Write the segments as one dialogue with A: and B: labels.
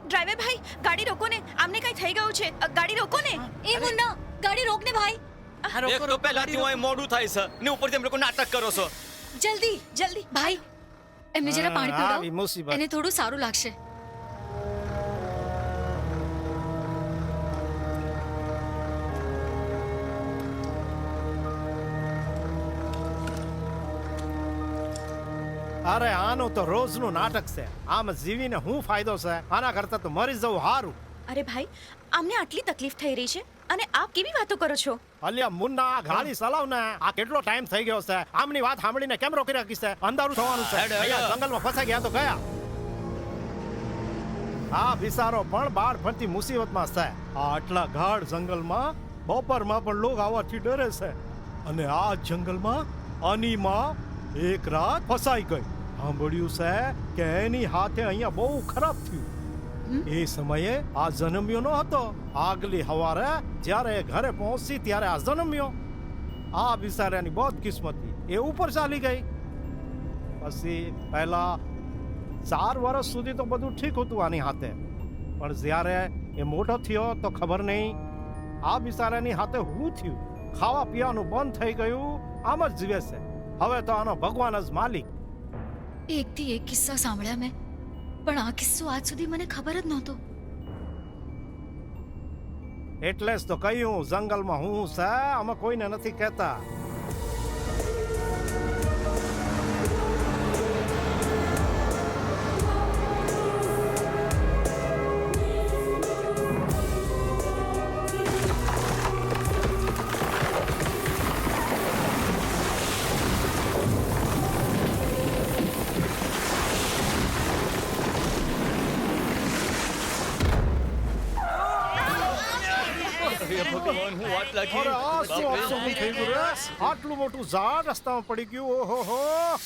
A: Driver ભાઈ ગાડી રોકો ને, આમને કઈ થઈ ગયું છે, ગાડી રોકો ને.
B: એ મુન્ના ગાડી રોક ને ભાઈ.
C: એક તો પહેલાથી હું અહીં મોડું થાય છે ને ઉપરથી તમે લોકો નાટક કરો છો.
A: જલ્દી જલ્દી
B: ભાઈ એમને જરા પાણી
D: આવી
B: પીવડાવો,
D: મુસીબત.
B: એને થોડું સારું લાગશે.
D: અરે આનું તો રોજનું નાટક છે. આમ જીવીને હું ફાયદો છે? આના કરતા તો મરી જવું સારું.
A: અરે ભાઈ આમને આટલી તકલીફ થઈ રહી છે અને આપ કેવી વાતો કરો છો?
D: અલ્યા મુન્ના, આ ગાડી ચલાવ ને. આ કેટલો ટાઈમ થઈ ગયો છે? આમની વાત સાંભળીને કેમ રોકી રાખી છે? અંધારું થવાનું છે.
C: હેડ, હેડ.
D: અહીંયા જંગલમાં ફસાઈ ગયા તો ગયા. આ બિચારો પણ બાળ ફરતી મુસીબતમાં છે. આ આટલા ગાઢ જંગલમાં બપોરમાં પણ લોક આવવાથી ડરે છે. અને આ જંગલમાં અનીમાં એક રાત ફસાઈ ગઈ. સાંભળ્યું છે કે એની હાથે અહીંયા બહુ ખરાબ થયું. એ સમયે આ જન્મ્યો ન હતો. આગલી સવારે જ્યારે એ ઘરે પહોંચી ત્યારે આ જન્મ્યો. આ બિચારાની બહુ કિસ્મતી. એ ઉપર ચાલી ગઈ. પછી પહેલા 4 વર્ષ સુધી તો બધું ઠીક હતું આની હાથે. પણ જ્યારે એ મોટો થયો તો ખબર નહીં આ બિચારાની હાથે શું થયું. ખાવા પીવાનું બંધ થઈ ગયું. આમ જ જીવે છે. હવે તો આનો ભગવાન જ માલિક.
B: એકથી એક કિસ્સા સાંભળ્યા મેં, પણ આ કિસ્સો આજ સુધી મને ખબર જ નહોતો.
D: એટલે જ તો કહ્યું જંગલમાં હું છે, અમે કોઈને નથી કહેતા.
C: ભગવાન, હું વાત લાગી.
D: અરે આ શું
C: બાપરે.
D: અપશકુન થઈ ગયું રે? આટલું મોટું ઝાડ રસ્તામાં પડી ગયું. ઓહો.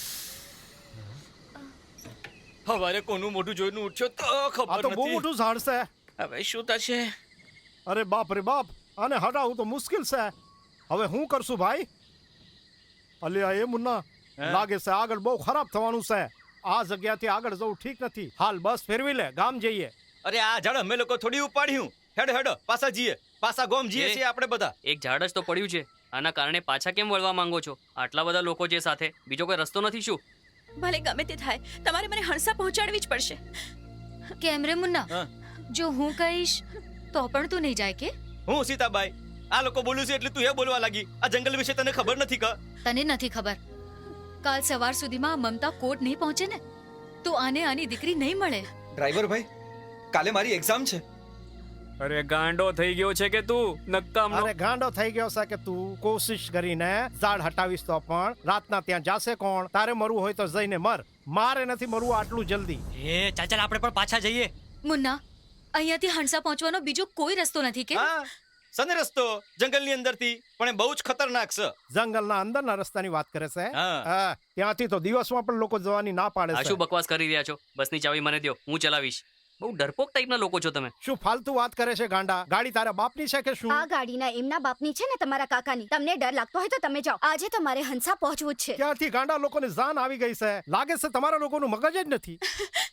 C: હવારે કોનું મોઢું જોઈને ઉઠ્યો તો
D: આ
C: ખબર
D: તો બહુ
C: નથી.
D: મોટું ઝાડ છે.
C: હવે શું થશે?
D: અરે બાપ રે બાપ, આને હટાવવું તો મુશ્કેલ છે. હવે હું કરશું ભાઈ? અલ્યા એ મુન્ના,
C: હે?
D: લાગે છે આગળ બહુ ખરાબ થવાનું છે. આ જગ્યાથી આગળ જવું ઠીક નથી. હાલ બસ ફેરવી લે, ગામ જઈએ.
C: અરે આ ઝાડ અમે લોકો થોડી ઉપાડ્યું. હેડો હેડો પાછા જઈએ. પાછા ગોમ જઈએ છીએ આપણે બધા.
E: એક ઝાડ જ તો પડ્યું છે, આના કારણે પાછા કેમ વળવા માંગો છો? આટલા બધા લોકો છે સાથે, બીજો કોઈ રસ્તો નથી શું?
A: ભલે ગમે તે થાય, તમારે મને હણસા પહોંચાડવી જ પડશે.
B: કેમ રે મુન્ના,
C: હા.
B: જો હું કહીશ તો પણ તું નહીં જાય કે?
C: હું સીતાબાઈ, આ લોકો બોલું છે એટલે તું એ બોલવા લાગી. આ જંગલ વિશે તને ખબર નથી કા?
B: તને નથી ખબર. કાલ સવાર સુધીમાં આ મમતા કોર્ટ નહીં પહોંચે ને તો આને આની દીકરી નહીં મળે.
F: ડ્રાઈવર ભાઈ, કાલે મારી એક્ઝામ છે.
E: અરે ગાંડો થઈ ગયો છે કે તું? નક્કામ
D: અરે ગાંડો થઈ ગયો છે કે તું? કોશિશ કરીને ઝાડ હટાવીશ તો પણ રાતના ત્યાં જાશે કોણ? તારે મરવું હોય તો જઈને મર. મારે નથી મરવું આટલું જલ્દી.
G: એ ચાલ ચાલ આપણે પણ પાછા જઈએ.
B: મુન્ના, અહીંયાથી હણસા પહોંચવાનો બીજો કોઈ રસ્તો નથી કે?
C: હા, સને રસ્તો જંગલની અંદરથી, પણ એ બહુ જ ખતરનાક છે.
D: જંગલના અંદરના રસ્તાની વાત કરે છે.
C: હા.
D: હા, ત્યાંથી તો દિવસમાં પણ લોકો જવાની ના પાડે
E: આ
D: છે.
E: શું બકવાસ કરી રહ્યા છો? બસની ચાવી મને દ્યો, હું ચલાવીશ. બહુ ડરપોક ટાઈપના લોકો છો તમે.
D: શું ફાલતુ વાત કરે છે ગાંડા? ગાડી તારા બાપની છે કે શું?
H: આ ગાડીના એમના બાપની છે ને તમારા કાકાની. તમને ડર લાગતો હોય તો તમે જાઓ. આજે તો મારે હંસા પહોંચવું જ છે.
D: ક્યાંથી ગાંડા લોકોને જાન આવી ગઈ છે? લાગે છે તમારા લોકોનું મગજ જ નથી.